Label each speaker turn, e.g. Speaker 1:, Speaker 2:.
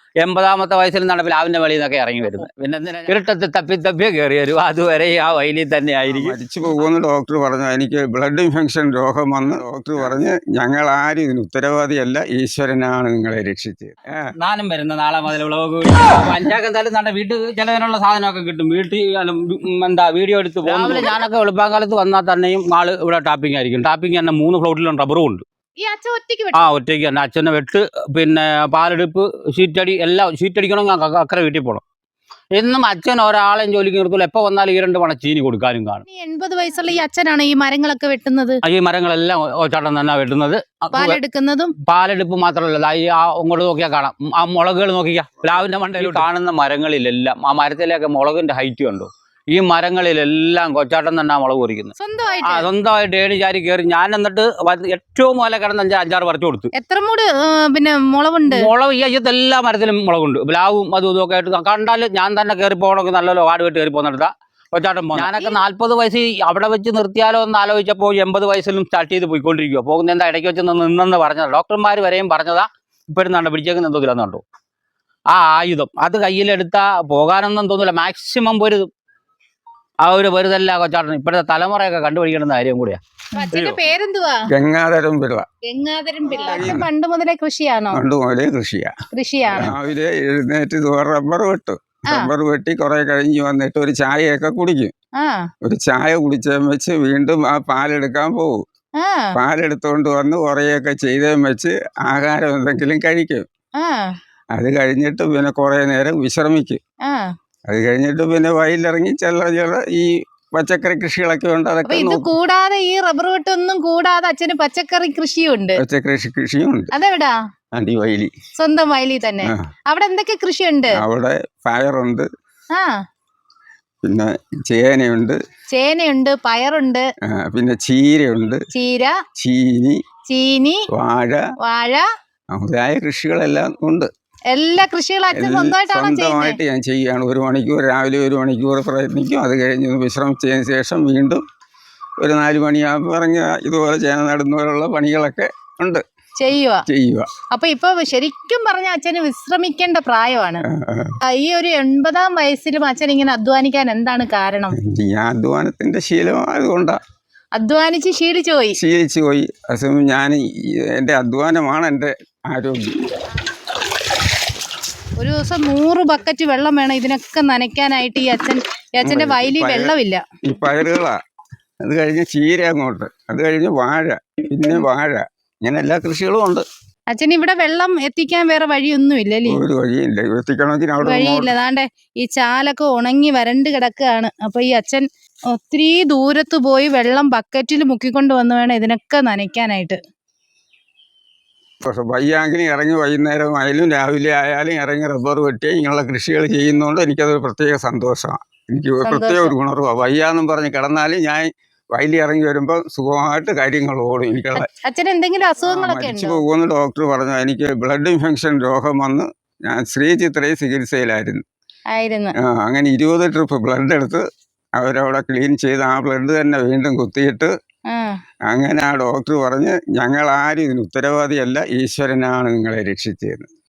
Speaker 1: 80-ാമത്തെ വയസ്സിൽ നിന്നാണ് പ്ലാവിന്റെ വെളിയിൽ നിന്നൊക്കെ ഇറങ്ങി വരുന്നത്. പിന്നെ എന്തിനാ ഇരുട്ടത്ത് തപ്പിയെ കയറി വരും, അതുവരെ ആ വയലിൽ തന്നെ ആയിരിക്കും.
Speaker 2: മരിച്ചു പോകുമെന്ന് ഡോക്ടർ പറഞ്ഞു. എനിക്ക് ബ്ലഡ് ഇൻഫെക്ഷൻ രോഗം വന്ന് ഡോക്ടർ പറഞ്ഞ് ഞങ്ങൾ ആരും ഇതിന് ഉത്തരവാദിയല്ല, ഈശ്വരനാണ് നിങ്ങളെ രക്ഷിച്ചത്.
Speaker 1: നാനും വരുന്ന നാളെ മുതൽ വിളവ് പഞ്ചായത്ത് എന്തായാലും നമ്മുടെ വീട്ടിൽ ചിലതിനുള്ള സാധനമൊക്കെ കിട്ടും. വീട്ടിൽ വീഡിയോ എടുത്ത് രാവിലെ ഞാനൊക്കെ വെളുപ്പാങ്കാലത്ത് വന്നാൽ തന്നെയും ആള് ഇവിടെ ടാപ്പിംഗ് ആയിരിക്കും. ടാപ്പിംഗ് തന്നെ 3 ഫ്ലോട്ടിലും റബ്ബറും ഉണ്ട്. ഒറ്റയ്ക്ക് തന്നെ അച്ഛനെ വെട്ട്, പിന്നെ പാലെടുപ്പ്, ഷീറ്റടി എല്ലാം. ഷീറ്റടിക്കണമെങ്കിൽ അക്കരെ വീട്ടിൽ പോകണം. എന്നും അച്ഛൻ ഒരാളെയും ജോലിക്ക് നിർത്തില്ല. എപ്പോൾ വന്നാലും 2 പണ ചീനി കൊടുക്കാനും കാണും.
Speaker 3: 80 വയസ്സുള്ള ഈ അച്ഛനാണ് ഈ മരങ്ങളൊക്കെ വെട്ടുന്നത്.
Speaker 1: ഈ മരങ്ങളെല്ലാം ചേട്ടൻ തന്നെ വെട്ടുന്നത്. പാലെടുപ്പ് മാത്രമല്ല, അങ്ങോട്ട് നോക്കിയാൽ കാണാം ആ മുളകുകൾ. നോക്കിയാൽ പ്ലാവിന്റെ മണ്ടയിൽ കാണുന്ന മരങ്ങളിലെല്ലാം ആ മരത്തിലേക്ക് മുളകിന്റെ ഹൈറ്റ് കണ്ടു. ഈ മരങ്ങളിലെല്ലാം കൊച്ചാട്ടൻ തന്നെ മുളക് പൊറിക്കുന്നത് സ്വന്തമായിട്ട് ഏണി ചാരി കയറി. ഞാൻ എന്നിട്ട് ഏറ്റവും മുതലേ കിടന്ന് 5-6 പറിച്ചു കൊടുത്തു.
Speaker 3: എത്ര മൂട് പിന്നെ മുളകുണ്ട്? മുളക്
Speaker 1: ഈ അയ്യത്ത് എല്ലാ മരത്തിലും മുളകുണ്ട്. പ്ലാവും അതും ഇതൊക്കെ ആയിട്ട് കണ്ടാൽ ഞാൻ തന്നെ കയറി പോകണമെങ്കിൽ നല്ലല്ലോ വാട് വെട്ട് കയറി പോകുന്നിടത്താ കൊച്ചാട്ടൻ പോകുന്നത്. ഞാനൊക്കെ 40 വയസ്സ് അവിടെ വെച്ച് നിർത്തിയാലോ എന്ന് ആലോചിച്ചപ്പോൾ 80 വയസ്സിലും സ്റ്റാർട്ട് ചെയ്ത് പോയിക്കൊണ്ടിരിക്കുക. പോകുന്ന എന്താ ഇടയ്ക്ക് വെച്ച് നിന്നെന്ന് പറഞ്ഞത് ഡോക്ടർമാർ വരെയും പറഞ്ഞതാ. ഇപ്പോഴും കണ്ടോ പിടിച്ചേക്കുന്ന എന്തോന്നില്ലെന്ന് കണ്ടോ ആ ആയുധം. അത് കയ്യിലെടുത്താ പോകാനൊന്നും തോന്നില്ല. മാക്സിമം പൊരുതും. ആ ഒരു വെറുതല്ല കൊച്ചാട്ടൻ. ഇപ്പോഴത്തെ തലമുറയൊക്കെ കണ്ടുപിടിക്കേണ്ട കാര്യം കൂടിയാ.
Speaker 3: പേരെന്തുവാ?
Speaker 2: ഗംഗാധരൻ പിള്ള.
Speaker 3: പണ്ട് മുതലേ കൃഷിയാണോ?
Speaker 2: പണ്ട് മുതലേ കൃഷിയാണ്. രാവിലെ എഴുന്നേറ്റ് റബ്ബർ വെട്ടു. റബ്ബർ വെട്ടി കുറെ കഴിഞ്ഞ് വന്നിട്ട് ഒരു ചായയൊക്കെ കുടിക്കും. ഒരു ചായ കുടിച്ചേം വെച്ച് വീണ്ടും ആ പാലെടുക്കാൻ പോകും. പാലെടുത്തോണ്ട് വന്ന് കുറേയൊക്കെ ചെയ്തേം വെച്ച് ആഹാരം എന്തെങ്കിലും കഴിക്കും. അത് കഴിഞ്ഞിട്ട് പിന്നെ കുറെ നേരം വിശ്രമിക്കും. അത് കഴിഞ്ഞിട്ട് പിന്നെ വയലിറങ്ങി ചില ഈ പച്ചക്കറി കൃഷികളൊക്കെ ഉണ്ട്. അതൊക്കെ
Speaker 3: ഇത് കൂടാതെ ഈ റബ്ബർ വെട്ടൊന്നും കൂടാതെ അച്ഛന് പച്ചക്കറി കൃഷിയുണ്ട്.
Speaker 2: പച്ചക്കറി കൃഷിയുണ്ട്.
Speaker 3: അതെവിടാ?
Speaker 2: അടിവയലി.
Speaker 3: സ്വന്തം വയലിൽ തന്നെ. അവിടെ എന്തൊക്കെ കൃഷിയുണ്ട്?
Speaker 2: അവിടെ പയറുണ്ട്, പിന്നെ ചേനയുണ്ട്, പയറുണ്ട്, പിന്നെ ചീരയുണ്ട്, ചീനി, വാഴ മുതലായ കൃഷികളെല്ലാം ഉണ്ട്.
Speaker 3: എല്ലാ കൃഷികളും അച്ഛൻ
Speaker 2: സ്വന്തമായിട്ട് ഞാൻ ചെയ്യുകയാണ്. 1 മണിക്കൂർ രാവിലെ 1 മണിക്കൂർ പ്രയത്നിക്കും. അത് കഴിഞ്ഞ് വിശ്രമിച്ചതിന് ശേഷം വീണ്ടും ഒരു 4 മണിയാകുമ്പോൾ ഇറങ്ങി ഇതുപോലെ ചേന നടുന്നപോലുള്ള പണികളൊക്കെ ഉണ്ട് ചെയ്യുക.
Speaker 3: അപ്പൊ ഇപ്പൊ ശരിക്കും പറഞ്ഞ അച്ഛന് വിശ്രമിക്കേണ്ട പ്രായമാണ്. ഈ ഒരു 80-ാം വയസ്സിലും അച്ഛൻ ഇങ്ങനെ അധ്വാനിക്കാൻ എന്താണ് കാരണം?
Speaker 2: ഞാൻ അധ്വാനത്തിന്റെ ശീലമായതുകൊണ്ടാ.
Speaker 3: അധ്വാനിച്ച് ശീലിച്ചു പോയി.
Speaker 2: ഞാൻ എന്റെ അധ്വാനമാണ് എന്റെ ആരോഗ്യം.
Speaker 3: ഒരു ദിവസം 100 ബക്കറ്റ് വെള്ളം വേണം ഇതിനൊക്കെ നനയ്ക്കാനായിട്ട്. ഈ അച്ഛന്റെ വയലിൽ വെള്ളമില്ല.
Speaker 2: ഈ പയറുകളാ, അത് കഴിഞ്ഞ് ചീര, അങ്ങോട്ട് അത് കഴിഞ്ഞ് വാഴ, പിന്നെ വാഴ, ഇങ്ങനെ എല്ലാ കൃഷികളും ഉണ്ട്.
Speaker 3: അച്ഛൻ ഇവിടെ വെള്ളം എത്തിക്കാൻ വേറെ വഴിയൊന്നും ഇല്ലല്ലേ?
Speaker 2: ഒരു വഴിയില്ല. എത്തിക്കണമെങ്കിൽ
Speaker 3: വഴിയില്ല. അതാണ്ട് ഈ ചാലൊക്കെ ഉണങ്ങി വരണ്ട് കിടക്കുകയാണ്. അപ്പൊ ഈ അച്ഛൻ ഒത്തിരി ദൂരത്ത് പോയി വെള്ളം ബക്കറ്റിൽ മുക്കിക്കൊണ്ട് വന്ന് വേണം ഇതിനൊക്കെ നനയ്ക്കാനായിട്ട്.
Speaker 2: പക്ഷെ വയ്യാങ്കിലും ഇറങ്ങി വൈകുന്നേരം ആയാലും രാവിലെ ആയാലും ഇറങ്ങി റബ്ബർ വെട്ടി ഇങ്ങനെയുള്ള കൃഷികൾ ചെയ്യുന്നതുകൊണ്ട് എനിക്കതൊരു പ്രത്യേക സന്തോഷമാണ്. എനിക്ക് പ്രത്യേക ഒരു ഗുണർവാണ്. വയ്യാന്നും പറഞ്ഞ് കിടന്നാലും ഞാൻ വയലിൽ ഇറങ്ങി വരുമ്പോൾ സുഖമായിട്ട് കാര്യങ്ങൾ ഓടും. എനിക്കുള്ള
Speaker 3: എന്തെങ്കിലും അസുഖങ്ങളൊക്കെ
Speaker 2: മരിച്ചു പോകുമെന്ന് ഡോക്ടർ പറഞ്ഞു. എനിക്ക് ബ്ലഡ് ഇൻഫെക്ഷൻ രോഗം വന്ന് ഞാൻ ശ്രീചിത്രയിൽ ചികിത്സയിലായിരുന്നു. അങ്ങനെ 20 ട്രിപ്പ് ബ്ലഡ് എടുത്ത് അവരവിടെ ക്ലീൻ ചെയ്ത് ആ ബ്ലഡ് തന്നെ വീണ്ടും കുത്തിയിട്ട് അങ്ങനെ ആ ഡോക്ടർ പറഞ്ഞ് ഞങ്ങൾ ആരും ഇതിന് ഉത്തരവാദിയല്ല, ഈശ്വരനാണ് നിങ്ങളെ രക്ഷിച്ചത്.